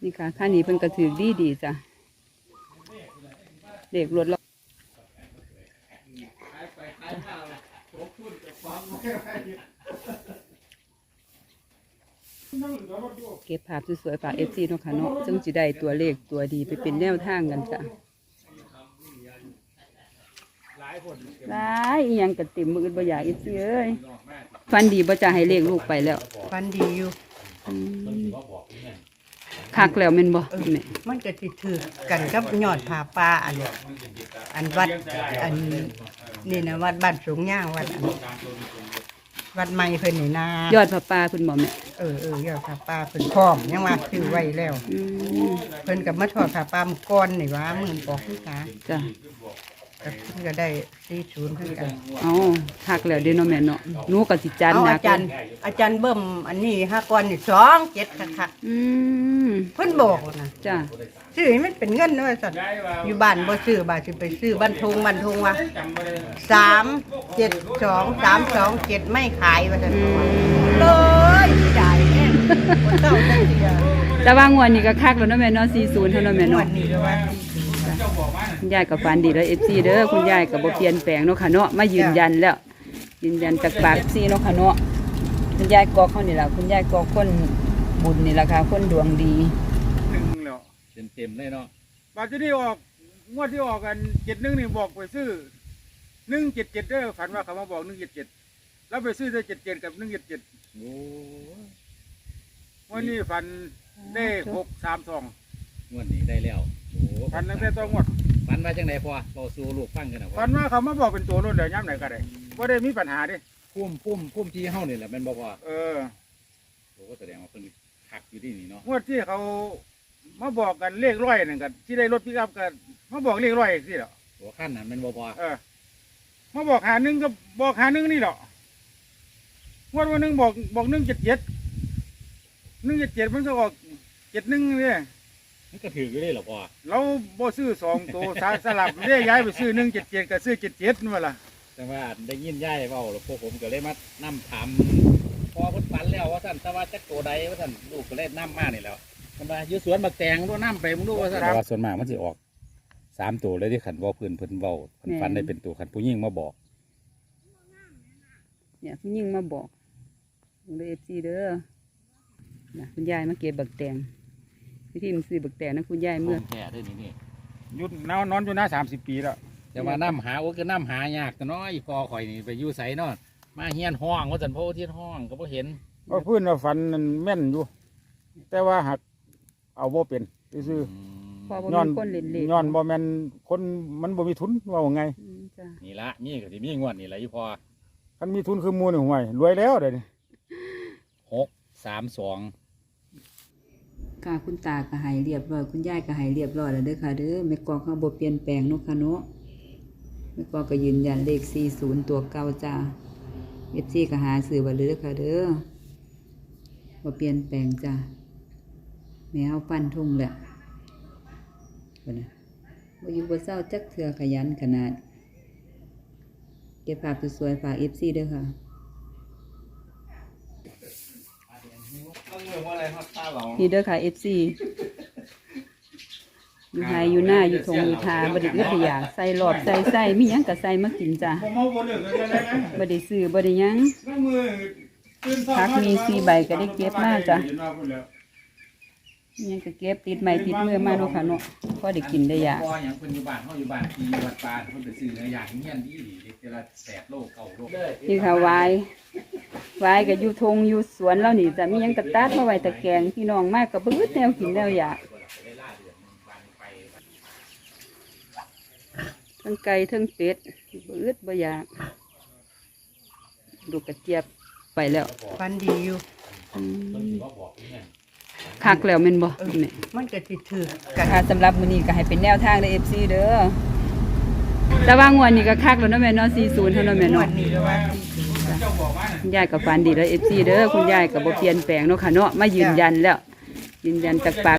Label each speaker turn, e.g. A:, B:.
A: นี่ค่ะค่านี้เพิ่นก็ถือดีจ้ะเด็กรถเราเก็บภาพสวยๆฝากFCเนาะค่ะเนาะซึ่งจะได้ตัวเลขตัวดีไปเป็นแนวทางกันจ้ะหลายอีหยังก็เต็มมือบ่อยากFCเอ้ยฟันดีบ่จะให้เลขลูกไปแล้ว
B: ฟันดีอยู่
A: คักแล้วแม่นบ่แม่
B: มันก็สิถือกันกับยอดผาป่าอันวัดอันนี่นะวัดบ้านสูงย่างวัดวัดใหม่เพิ่นนี่นาย
A: อดผ้าป่าเพิ่นบ่แม่
B: ยอดผาป่าเพิ่นพร้อมยังว่าซื้อไว้แล้ว
A: อืม
B: เพิ่นก็มาทอดผาป่ามื้อก่อนนี่ว่ามื้อบอกคือกัน
A: จ้ะ
B: ก็เพิ่นก็ได้40คือกัน
A: เอาคักแล้วเด้เนาะแม่เนาะหนูก็สิจัน
B: เอา
A: หนั
B: อาก จารย์เบิ่มอันนี้5ก่อนนี่27คัก
A: อืม
B: ๆเพิ่นบอกนะ
A: จ้ะ
B: ซื้อให้มันเป็นเงินเด้อสั่นอยู่บ้านบ่ซื้อบ้านสิไปซื้อบ้านทงว่า372 ไม่ขายว่าซั่นเลยสิได้แน่บ่ต้องจักเที่ย
A: แต่ว่างวดนี้ก็คักแล้วเนาะแม่เนาะ40เท่านั้นแม่
B: งว
A: เนาะ
B: ดนี้ก็ว่า
A: คุณยายก็ฝันดีแล้ว FC เด้อคุณยายก็บ่เปลี่ยนแปลงเนาะค่ะเนาะมายืนยันแล้วยืนยันจากปาก FC เนาะค่ะเนาะคุณยายกอกเขานี่ล่ะคุณยายกอกคนบุญนี่ล่ะค่ะคนดวงดี
C: หนึ่งแล้ว
D: เต็มเลยเนาะ
C: บาทที่ออกงวดที่ออกกัน71นี่บอกไปซื้อ177เด้อฝันว่าเขามาบอก177แล้วไปซื้อได้77กับ177
D: โอ้
C: วันนี้ฝันได้632
D: งวดนี้ได้แล้วโอ้
C: ฝันตั้งแต่ต้นงวด
D: ฝันว่าจังไดพอเราสู่ลูกฟังกันนะ
C: ฝันว่าเขามาบอกเป็นตัวนู่นเดี๋ยวย้ำไหนก็ได้บ่ได้มีปัญหาดิ
D: พุ่มที่เฮานี่แหละแม่นบ่พอ
C: เออ
D: โอ้ก็แสดงว่าเพิ่นคักอยู่ที่นี่เนาะ
C: งวดที่เขามาบอกกันเลขร้อยนั่นกันที่ได้รถพิกอัพกันมาบอกเลขร้อยสิเหรอ
D: โอ้ขั้นนั้นแม่นบ่พอ
C: เออมาบอกหาหนึ่งก็บอกหาหนึ่งนี่เหรองวดวันหนึ่งบอก177มันก็ออก71เนี่ย
D: มันก็ถืออยู่ได้เหรอพอ
C: เราบ่ซื้อ2ตัวสลับเรียกย้ายไปซื้อ177กับซื้อ77นั่นว่าล่ะ
D: แต่ว่าได้ยินยายเว้าแล้วพวกผมก็เลยมานํถามพอเพิ่นฝันแล้วว่าซั่นแต่ว่าจักตัวใดว่าซั่นลูกก็เลยนํมานี่แหล้วเพิ่นว่าอยู่สวนบักแตงบ่นํไปมึงดูว่าซั่นแต่ว่าส่วนมากมันสิออก3ตัวเลยที่ขันเว้าเพิ่นเว้าเพิ่นฝันได้เป็นตัวขันผู้หญิงมาบอก
A: เนี่ยผู้หญิงมาบอกเด้อ FC เด้อนะคุณยายมาเก็บบักแตงวิธีมันซื้อบักแตงนะคุณยายเมื่อ
D: แท้ด้วยนี่
C: ยุดนอนอยู่นะ30 ปีแล้ว
D: แต่ว่าน้ำหาโอ้ก็น้ำหายากแต่น้อยพอข่อยนี่ไปอยู่ไสเนาะมาเฮียนห้องว่าสันโพเทียนห้องก็บ่เห็น
C: ว่าพื้นว่าฝันนั่นแม่นอยู่ แต่ว่าหักเอาบ่เป็นซื่อ
A: พอบ่
C: ย้อน
A: มีคนเล่นเล่น
C: ย้อนบ่แม่นคนมันบ่มีทุนว่าไง
A: จ้ะ
D: นี่ละนี่ก็สิมีงวดนี่แหละอยู่พอ
C: คันมีทุนคือหมู่นี่ห่วยรวยแล้วเดี๋ยวนี้
D: 632
A: ค่ะคุณตาก็ใหายเรียบร้อยคุณยายก็ใหายเรียบร้อยแล้วเด้อค่ะเด้อแม่กองเขาบ่เปลี่ยนแปลงเนาะค่ะเนาะแม่กองก็ยืนยันเลข40ตัวเก่าจ้า FC ก็หาซื้อไว้เลยเด้อค่ะเด้อบ่เปลี่ยนแปลงจ้าแม่เฮาฟันทุ่งแหละเพิ่นน่ะบ่อยู่บ่เศร้าจักเทื่อขยันขนาดเก็บภาพสวยๆฝาก FC เด้อค่ะนี่เด้อค่ะ FC อยู่ไฮอยู่หน้าอยู่ทงอยู่ทาบ่ได้อึดได้อยากใส่หลอดใส่มีหยังก็ใส่มากินจ้ะ
C: ผมเอาบ่เลิกเลยได้ไหม
A: บ่ได้ซื้อบ่ได้หยัง
C: น้ำมือตื่นเช้า
A: ผักมี4ใบก็ได้เก็บมาจ้ะ มีหยังก็เก็บติดไม้ติดมือมาเนาะค่ะเนาะพอได้กินได้อยาก
D: พออย่างเพิ่นอยู่บ้านเฮาอยู่บ้านที่วัดป่าเพิ่นไปซื้อเนื้อย่างเฮียนดีๆเดี๋ยวละ8โล9โล
A: นี่ค่ะวายก็อยู่ทงอยู่สวนแล้วนี่จ้ะมีหยังก็ตัดมาไว้ตะแกรงพี่น้องมากก็บ่อึดแนวกินแนวอยากทั้งไก่ทั้งเป็ดบ่อึดบ่อยากลูกกระเจี๊ยบไปแล้ว
B: ฟันดีอยู่
A: คักแล้วแม่นบ่แม่
B: มันก็สิถือกัน
A: ค่ะสำหรับมื้อนี้ก็ให้เป็นแนวทางเด้อ FC เด้อแต่ว่างวดนี้ก็คักแล้วเนาะแม่เนาะ40เท่านั้นแม่
B: งว
A: เนาะ
B: ดนี้ก็ว่า
A: คุณยายก็ฝันดีแล้ว FC เด้อคุณยายก็บ่เปลี่ยนแปลงเนาะค่ะเนาะมายืนยันแล้วยืนยันจากปาก